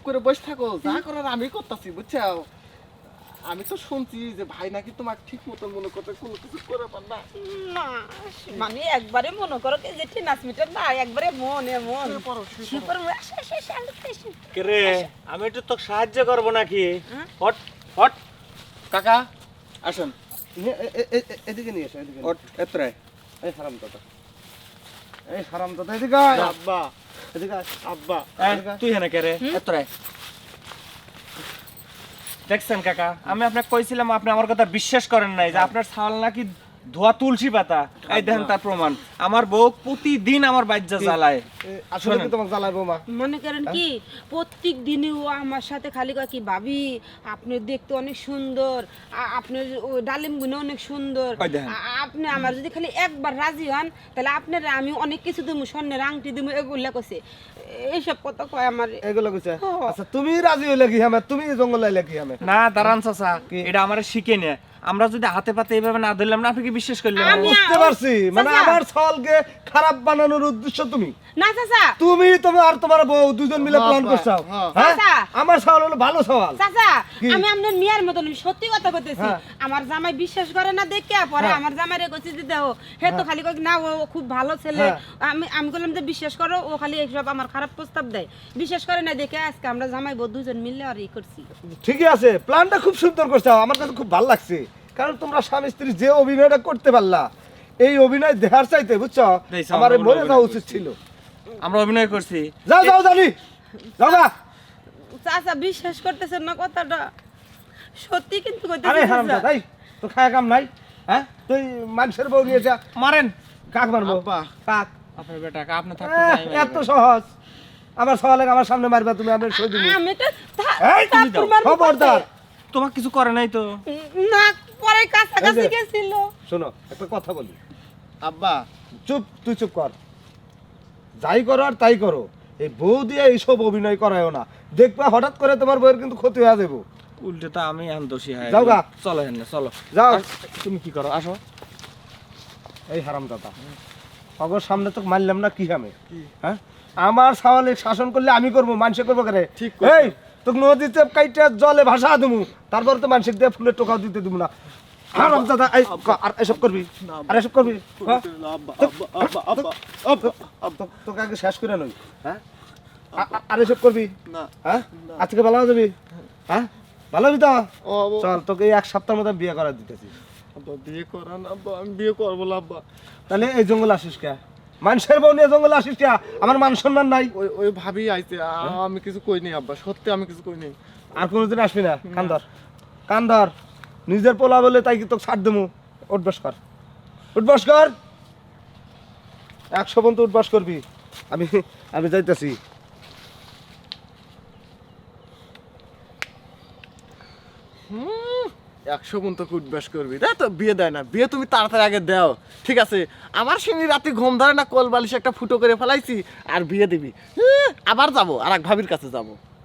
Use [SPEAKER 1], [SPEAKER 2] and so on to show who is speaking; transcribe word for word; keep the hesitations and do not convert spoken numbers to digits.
[SPEAKER 1] করে বসে থাকো, যা করার আমি করতেছি, বুঝছো? আমি তো শুনছি যে ভাই নাকি তোমাকে ঠিক মতো মনে করতে কোনো কিছু করে পার না।
[SPEAKER 2] না মানে একবারে মনে করো যে ঠিক নাচ মিটার না, একবারে মনে মন শিপর
[SPEAKER 3] রে আমি একটু তোকে সাহায্য করবো নাকি? হট হট
[SPEAKER 1] কাকা আসেন, এদিকে নিয়ে এসো, এদিকে এত্রে। এই হারাম দাদা, এই হারাম দাদা এদিকে আয়।
[SPEAKER 3] আব্বা
[SPEAKER 1] এদিকে আয়।
[SPEAKER 3] আব্বা তুই হেনে কে রে?
[SPEAKER 1] এত্রে
[SPEAKER 3] দেখছেন কাকা, আমি আপনাকে কইছিলাম, আপনি আমার কথা বিশ্বাস করেন নাই যে আপনার ছাল নাকি ধোয়া তুলসী পাতা। এই দেখেন তার প্রমাণ। আমার বউ প্রতিদিন আমার বাজ্জা জ্বালায়।
[SPEAKER 1] আসলে কি তোমাকে জ্বালাইবো মা?
[SPEAKER 2] মনে করেন কি প্রত্যেক দিনই ও আমার সাথে খালি কয় কি ভাবি আপনি দেখতে অনেক সুন্দর, আ- আপনার ওই ডালিম গুলো অনেক সুন্দর,
[SPEAKER 3] ওই দেখেন।
[SPEAKER 2] আ- আপনি আমার যদি খালি একবার রাজি হন তাহলে আপনার আমি অনেক কিছু দেবো, স্বর্ণের আংটি দেবো, এগুলা কইছে। এইসব কথা কয় আমার।
[SPEAKER 1] এগুলো কইছে?
[SPEAKER 2] ও।
[SPEAKER 1] আচ্ছা তুমি রাজি হইলে কি হবে? তুমি জঙ্গলে আইলে কি হবে?
[SPEAKER 3] না দাঁড়ান চাচা, এটা আমার শিখে নে। আমরা যদি হাতে পাতে এইভাবে না ধরলাম না, আপনি কি বিশ্বাস করলেন?
[SPEAKER 2] আমি-
[SPEAKER 1] বুঝতে পারছি, মানে
[SPEAKER 2] চাচা।
[SPEAKER 1] আমার ছলকে খারাপ বানানোর উদ্দেশ্য তুমি।
[SPEAKER 2] না চাচা,
[SPEAKER 1] তুমি তুমি আর তোমার বউ দুজন মিলে প্ল্যান করছো। হ্যাঁ?
[SPEAKER 2] চাচা।
[SPEAKER 1] আমার সওয়াল হলো ভালো সওয়াল।
[SPEAKER 2] চাচা
[SPEAKER 1] কি?
[SPEAKER 2] আমি আপনার মেয়ের মতন, আমি সত্যি কথা কইতেছি।
[SPEAKER 1] হ্যাঁ।
[SPEAKER 2] আমার জামাই বিশ্বাস করে না দেখে পরে
[SPEAKER 1] হ্যাঁ।
[SPEAKER 2] আমার জামাইরে কইছি যে দেখো হে তো খালি কই না ও খুব ভালো ছেলে।
[SPEAKER 1] হ্যাঁ।
[SPEAKER 2] আমি আমি বললাম যে বিশ্বাস করো, ও খালি এইসব আমার খারাপ প্রস্তাব দেয়, বিশ্বাস করে না দেখে আজকে আমরা জামাই বউ দুজন মিলে আর ই করছি।
[SPEAKER 1] ঠিকই আছে, প্ল্যানটা খুব সুন্দর করছো, আমার কাছে খুব ভালো লাগছে। কারণ তোমরা স্বামী স্ত্রী যে অভিনয়টা করতে পারলা, এই অভিনয় দেখার চাইতে বুঝছো
[SPEAKER 3] দেখছি,
[SPEAKER 1] আমার
[SPEAKER 3] আমরা
[SPEAKER 1] মরে
[SPEAKER 3] অভিনয়
[SPEAKER 1] যাওয়া
[SPEAKER 3] করছি।
[SPEAKER 1] উচিত ছিল।
[SPEAKER 3] আমরা অভিনয় করছি।
[SPEAKER 1] যাও যাও জানি যাও না।
[SPEAKER 2] চাচা বিশ্বাস করতেছেন না কথাটা? সত্যি কিন্তু
[SPEAKER 1] আরে
[SPEAKER 2] কইতেছি
[SPEAKER 1] হারাম
[SPEAKER 2] চাচা।
[SPEAKER 1] দাদাই, তোর খায়া কাম নাই? হ্যাঁ, তুই মানুষের বউ নিয়ে যা।
[SPEAKER 3] মারেন
[SPEAKER 1] কাক মারবো?
[SPEAKER 3] আব্বা।
[SPEAKER 1] কাক?
[SPEAKER 3] আপনার বেটা আপনি থাকতে
[SPEAKER 1] আহ,
[SPEAKER 3] যাই মারবেন।
[SPEAKER 1] এত সহজ? আমার সওয়ালে আমার সামনে মারবা তুমি, আমি সই দিব।
[SPEAKER 2] আমি তো থা-
[SPEAKER 1] এই তুমি
[SPEAKER 2] থাপ্পড়
[SPEAKER 1] দাও,
[SPEAKER 2] মারবো
[SPEAKER 1] খবরদার।
[SPEAKER 3] তোমার কিছু করে নাই তো?
[SPEAKER 2] পাশে। না পরে কাছাকাছি
[SPEAKER 1] এই যে।
[SPEAKER 2] গেছিল।
[SPEAKER 1] শোনো একটা কথা বলি,
[SPEAKER 3] আব্বা
[SPEAKER 1] চুপ, তুই চুপ কর। যাই করো আর তাই করো, এই বউ দিয়ে এইসব অভিনয় করায়ও না। দেখবা হঠাৎ করে তোমার বউয়ের কিন্তু ক্ষতি হয়ে যাবো।
[SPEAKER 3] উল্টে তো আমি এখন দোষী হয়।
[SPEAKER 1] যাও গা।
[SPEAKER 3] চলো হেন চলো।
[SPEAKER 1] যাও।
[SPEAKER 3] আর তুমি কি করো? আসো।
[SPEAKER 1] এই হারাম দাদা, অগর সামনে তো মারলাম না কি হবে? হ্যাঁ, আমার সওয়ালে শাসন করলে আমি করবো, মানুষে করবো কেন?
[SPEAKER 3] ঠিক
[SPEAKER 1] এই তোকে নদীতে কাইটা জলে ভাসা দেবো, তারপর তো মানুষের দিয়ে ফুলের টোকাও দিতে দেবো না। হারাম দাদা, এই ক- আর এসব করবি? আর এসব করবি? হ্যাঁ? তো- তো- তোকে আগে শেষ করে নই। হ্যাঁ, আ- আ- আর এসব করবি? হ্যাঁ, আজকে ভালো হয়ে যাবি? হ্যাঁ, ভালো হবি তো? চল, তোকে এই এক সপ্তাহের মধ্যে বিয়ে করা দিতেছি।
[SPEAKER 3] বিয়ে করান আব্বা, আমি বিয়ে করবো না আব্বা।
[SPEAKER 1] তাহলে এই জঙ্গল আসিস কে? মানুষের বউ নিয়ে জঙ্গল আসিস কে? আমার মান সম্মান নাই?
[SPEAKER 4] ওই ওই ভাবি আইছে, আ- আমি কিছু কইনি আব্বা, সত্যি আমি কিছু কইনি।
[SPEAKER 1] আর কোনোদিন আসবি না। কান্দর কান্দর, নিজের পোলা বলে তাই কি তোকে ছাড় দেবো? উঠবাস কর, উঠবাস কর, একশো পর্যন্ত উঠবাস করবি। আমি আমি যাইতেছি।
[SPEAKER 4] একশো গুণ তো উঠবাস করবি, তাই তো? বিয়ে দেয় না, বিয়ে তুমি তাড়াতাড়ি আগে দাও, ঠিক আছে? আমার সিনি রাতে ঘুম ধরে না, কোল বালিশ একটা ফুটো করে ফেলাইছি, আর বিয়ে দিবি। হুঁ, আবার যাবো আর এক ভাবির কাছে যাবো।